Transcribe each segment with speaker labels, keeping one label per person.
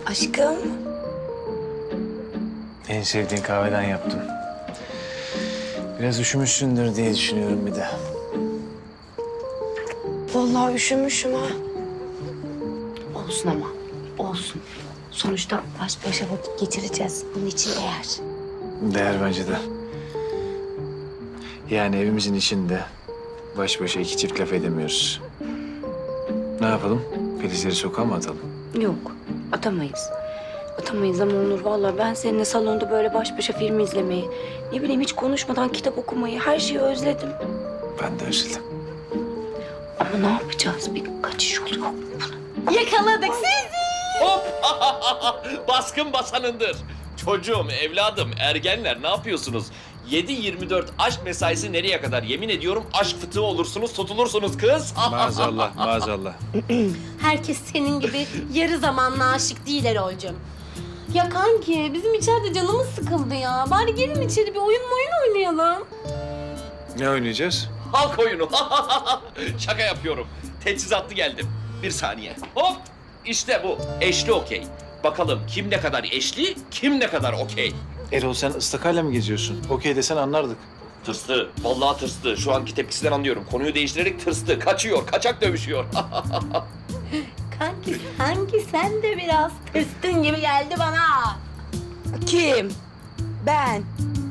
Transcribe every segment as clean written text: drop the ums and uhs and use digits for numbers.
Speaker 1: Aşkım.
Speaker 2: En sevdiğin kahveden yaptım. Biraz üşümüşsündür diye düşünüyorum bir de.
Speaker 1: Vallahi üşümüşüm ha. Olsun ama, olsun. Sonuçta baş başa vakit geçireceğiz. Bunun için değer.
Speaker 2: Değer bence de. Yani evimizin içinde baş başa iki çift laf edemiyoruz. Ne yapalım? Filizleri sokağa mı atalım?
Speaker 1: Yok, atamayız. Atamayız ama Onur vallahi ben seninle salonda böyle baş başa film izlemeyi, ne bileyim hiç konuşmadan kitap okumayı, her şeyi özledim.
Speaker 2: Ben de özledim.
Speaker 1: Ama ne yapacağız? Bir kaçış yolu yok mu bunun?
Speaker 3: Yakaladık sizi.
Speaker 4: Hop! Baskın basanındır. Çocuğum, evladım, ergenler ne yapıyorsunuz? 7-24 aşk mesaisi nereye kadar? Yemin ediyorum aşk fıtığı olursunuz, tutulursunuz kız.
Speaker 2: Maazallah, maazallah.
Speaker 3: Herkes senin gibi yarı zamanlı aşık değil Erol'cum. Ya kanki bizim içeride canımız sıkıldı ya. Bari gelin içeri bir oyun oynayalım.
Speaker 2: Ne oynayacağız?
Speaker 4: Halk oyunu. Şaka yapıyorum. Teçhizatlı geldim. Bir saniye. Hop! İşte bu. Eşli okey. Bakalım kim ne kadar eşli, kim ne kadar okey.
Speaker 2: Erol sen ıstakayla mı geziyorsun? Okey desen anlardık.
Speaker 4: Tırstı. Vallahi tırstı. Şu anki tepkisinden anlıyorum. Konuyu değiştirerek tırstı. Kaçıyor. Kaçak dövüşüyor.
Speaker 3: Kanki sen de biraz tırstın gibi geldi bana.
Speaker 1: Kim? Ben.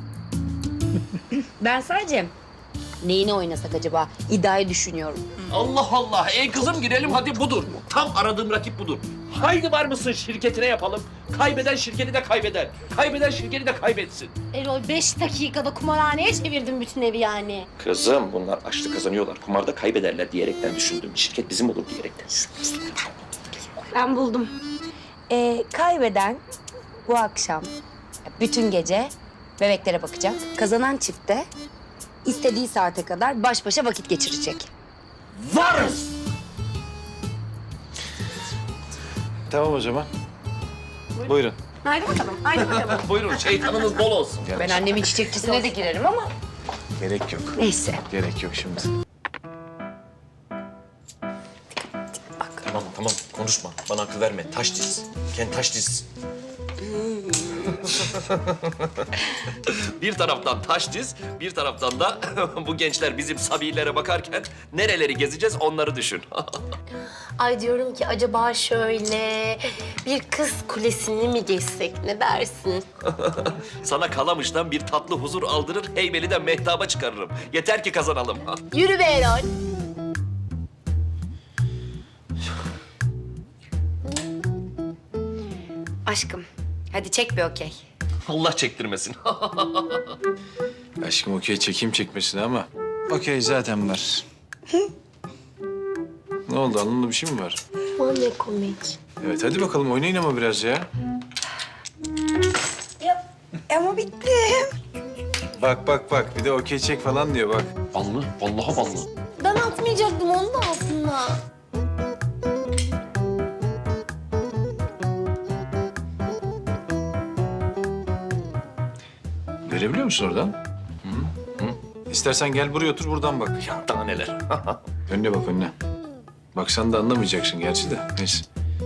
Speaker 1: Ben sadece neyini oynasak acaba? İddiayı düşünüyorum.
Speaker 4: Allah Allah. Ey kızım girelim hadi budur. Tam aradığım rakip budur. Haydi var mısın şirketine yapalım. Kaybeden şirketi de kaybeder. Kaybeden şirketi de kaybetsin.
Speaker 3: Erol 5 dakikada kumarhaneye çevirdin bütün evi yani.
Speaker 4: Kızım bunlar açlı kazanıyorlar. Kumarda kaybederler diyerekten düşündüm. Şirket bizim olur diyerekten.
Speaker 1: Ben buldum. Kaybeden bu akşam bütün gece bebeklere bakacak. Kazanan çifte istediği saate kadar baş başa vakit geçirecek.
Speaker 4: Varız!
Speaker 2: Tamam o zaman. Buyurun.
Speaker 3: Haydi bakalım, haydi bakalım.
Speaker 4: Buyurun şeytanınız bol olsun.
Speaker 1: Ben annemin çiçekçisine de girerim ama
Speaker 2: Gerek yok.
Speaker 1: neyse.
Speaker 2: Gerek yok şimdi.
Speaker 4: Tamam konuşma. Bana akıl verme. Taş diz. Kendi taş diz. Bir taraftan taş diz, bir taraftan da bu gençler bizim sabilere bakarken nereleri gezeceğiz onları düşün.
Speaker 3: Ay diyorum ki acaba şöyle bir kız kulesini mi geçsek ne dersin?
Speaker 4: Sana Kalamış'tan bir tatlı huzur aldırır, Heybeli'den mehtaba çıkarırım. Yeter ki kazanalım.
Speaker 3: Yürü be Erol.
Speaker 1: Aşkım hadi çek bir okey.
Speaker 4: Allah çektirmesin.
Speaker 2: Aşkım okey çekeyim çekmesine ama okey zaten var. Ne oldu alnında bir şey mi var?
Speaker 3: Aman ne komik.
Speaker 2: Evet hadi bakalım oynayın ama biraz ya.
Speaker 1: Ama bitti.
Speaker 2: Bak bir de okey çek falan diyor bak.
Speaker 4: Ballı, vallahi ballı.
Speaker 3: Ben atmayacaktım onu da aslında.
Speaker 2: Görebiliyor musun oradan? İstersen gel buraya otur buradan bak.
Speaker 4: Ya daha neler.
Speaker 2: Önüne bak önüne. Baksan da anlamayacaksın gerçi de. Neyse.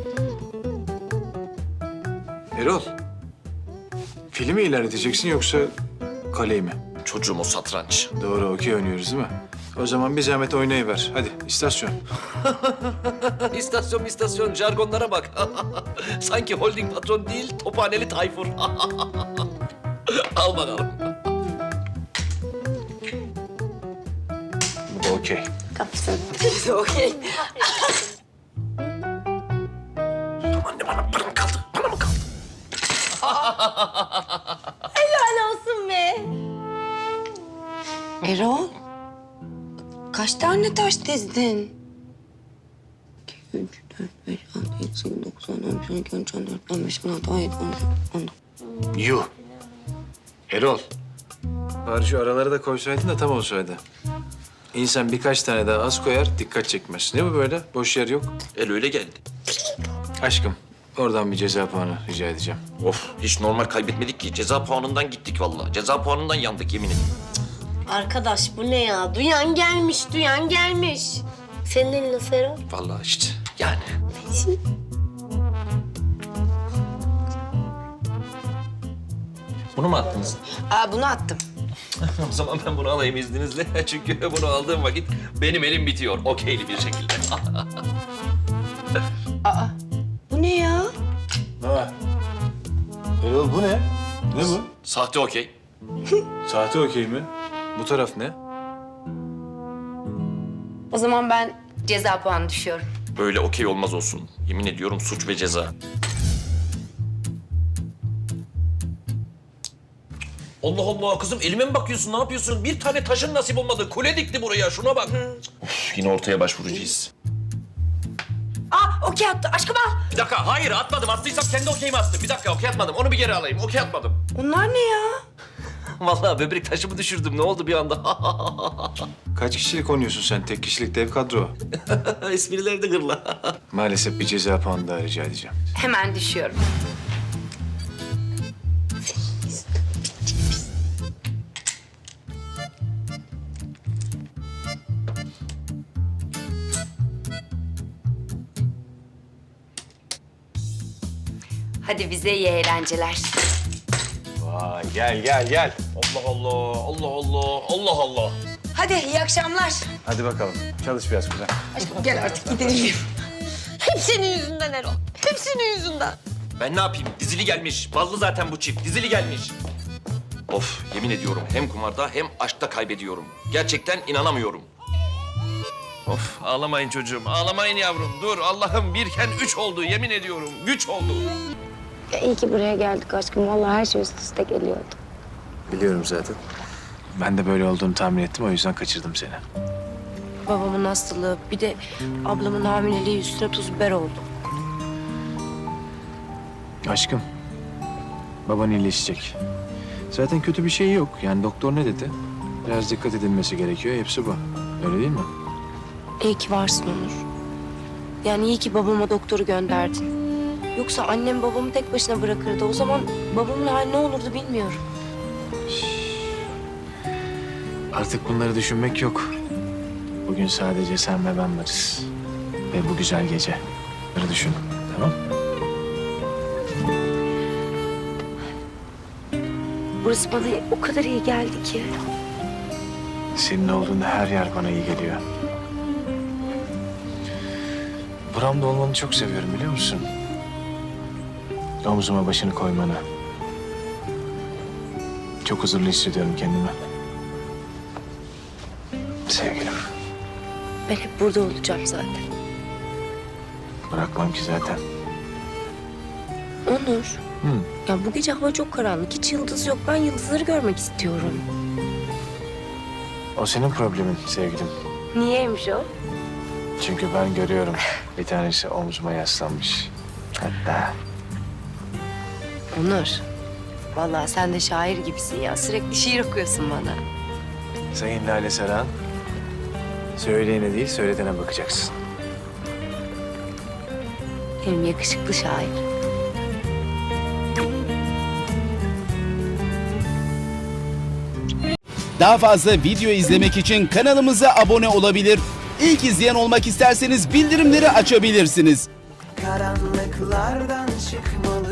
Speaker 2: Erol. Filmi ilerleteceksin yoksa kaleyi mi?
Speaker 4: Çocuğum o satranç.
Speaker 2: Doğru okey oynuyoruz değil mi? O zaman bir zahmet oynayıver. Hadi istasyon.
Speaker 4: İstasyon jargonlara bak. Sanki holding patron değil, tophaneli Tayfur. Al bakalım.
Speaker 2: Bu da okey.
Speaker 3: Kapsın.
Speaker 1: Okey.
Speaker 4: Anne bana mı kaldı? Bana mı kaldı?
Speaker 3: Helal olsun be.
Speaker 1: Erol, kaç tane taş dizdin? 2, 3, 4, 5, 6, 7, 8, 9, 10, 11, 12, 13, 14, 15, 16, 17, 18, 19.
Speaker 2: Yuh. Erol. Bari şu araları da koysaydın da tam olsaydı. İnsan birkaç tane daha az koyar, dikkat çekmez. Ne bu böyle? Boş yer yok.
Speaker 4: El öyle geldi.
Speaker 2: Aşkım, oradan bir ceza puanı rica edeceğim.
Speaker 4: Of, hiç normal kaybetmedik ki. Ceza puanından gittik vallahi. Ceza puanından yandık yemin ederim.
Speaker 3: Arkadaş bu ne ya? Duyan gelmiş. Senin elin nasıl Erol?
Speaker 4: Vallahi işte yani. Bunu mu attınız?
Speaker 1: Aa, bunu attım.
Speaker 4: O zaman ben bunu alayım izninizle. Çünkü bunu aldığım vakit benim elim bitiyor. Okeyli bir şekilde.
Speaker 1: Aa, bu ne ya?
Speaker 2: Ha. Erol bu ne? Ne bu?
Speaker 4: Sahte okey.
Speaker 2: Sahte okey mi? Bu taraf ne?
Speaker 1: O zaman ben ceza puanı düşüyorum.
Speaker 4: Böyle okey olmaz olsun. Yemin ediyorum suç ve ceza. Allah Allah kızım elime mi bakıyorsun? Ne yapıyorsun? Bir tane taşın nasip olmadı. Kule dikti buraya. Şuna bak. Of, yine ortaya başvuracağız.
Speaker 1: Aa, okey attı. Aşkım al.
Speaker 4: Bir dakika. Hayır atmadım. Attıysam kendi okeyimi attım. Bir dakika okey atmadım. Onu bir geri alayım. Okey atmadım.
Speaker 1: Onlar ne ya?
Speaker 4: Vallahi böbrek taşımı düşürdüm. Ne oldu bir anda?
Speaker 2: Kaç kişilik oynuyorsun sen? Tek kişilik dev kadro.
Speaker 4: Esprileri de gırla.
Speaker 2: Maalesef bir ceza puanı daha rica edeceğim.
Speaker 1: Hemen düşüyorum. Hadi bize iyi eğlenceler.
Speaker 2: Vay gel gel gel.
Speaker 4: Allah Allah. Allah Allah. Allah Allah.
Speaker 1: Hadi iyi akşamlar.
Speaker 2: Hadi bakalım. Çalış biraz güzel.
Speaker 1: Aşkım gel artık gidelim.
Speaker 3: Hep senin yüzünden Erol. Hep senin yüzünden.
Speaker 4: Ben ne yapayım? Dizili gelmiş. Ballı zaten bu çift. Dizili gelmiş. Of yemin ediyorum hem kumarda hem aşkta kaybediyorum. Gerçekten inanamıyorum. Of ağlamayın çocuğum. Ağlamayın yavrum. Dur Allah'ım birken üç oldu. Yemin ediyorum. Güç oldu.
Speaker 5: Ya iyi ki buraya geldik aşkım. Vallahi her şey üst üste geliyordu.
Speaker 2: Biliyorum zaten. Ben de böyle olduğunu tahmin ettim. O yüzden kaçırdım seni.
Speaker 5: Babamın hastalığı, bir de ablamın hamileliği üstüne tuz biber oldu.
Speaker 2: Aşkım. Baban iyileşecek. Zaten kötü bir şey yok. Yani doktor ne dedi? Biraz dikkat edilmesi gerekiyor. Hepsi bu. Öyle değil mi?
Speaker 5: İyi ki varsın Onur. Yani iyi ki babama doktoru gönderdin. Yoksa annem babamı tek başına bırakırdı. O zaman babamın hali ne olurdu bilmiyorum.
Speaker 2: Artık bunları düşünmek yok. Bugün sadece sen ve ben varız. Ve bu güzel gece. Bunları düşün. Tamam?
Speaker 5: Burası bana o kadar iyi geldi ki.
Speaker 2: Senin olduğunda her yer bana iyi geliyor. Buramda olmanı çok seviyorum biliyor musun? Omzuma başını koymanı. Çok huzurlu hissediyorum kendimi. Sevgilim.
Speaker 5: Ben hep burada olacağım zaten.
Speaker 2: Bırakmam ki zaten.
Speaker 5: Onur.
Speaker 2: Hı.
Speaker 5: Ya bu gece hava çok karanlık. Hiç yıldız yok. Ben yıldızları görmek istiyorum.
Speaker 2: O senin problemin sevgilim.
Speaker 5: Niyeymiş o?
Speaker 2: Çünkü ben görüyorum. Bir tanesi omzuma yaslanmış. Hatta
Speaker 5: Onur. Vallahi sen de şair gibisin ya. Sürekli şiir okuyorsun bana.
Speaker 2: Sayın Lale Saran, söyleyene değil söyletene bakacaksın.
Speaker 5: Benim yakışıklı şair.
Speaker 6: Daha fazla video izlemek için kanalımıza abone olabilir. İlk izleyen olmak isterseniz bildirimleri açabilirsiniz.
Speaker 7: Karanlıklardan çıkmalı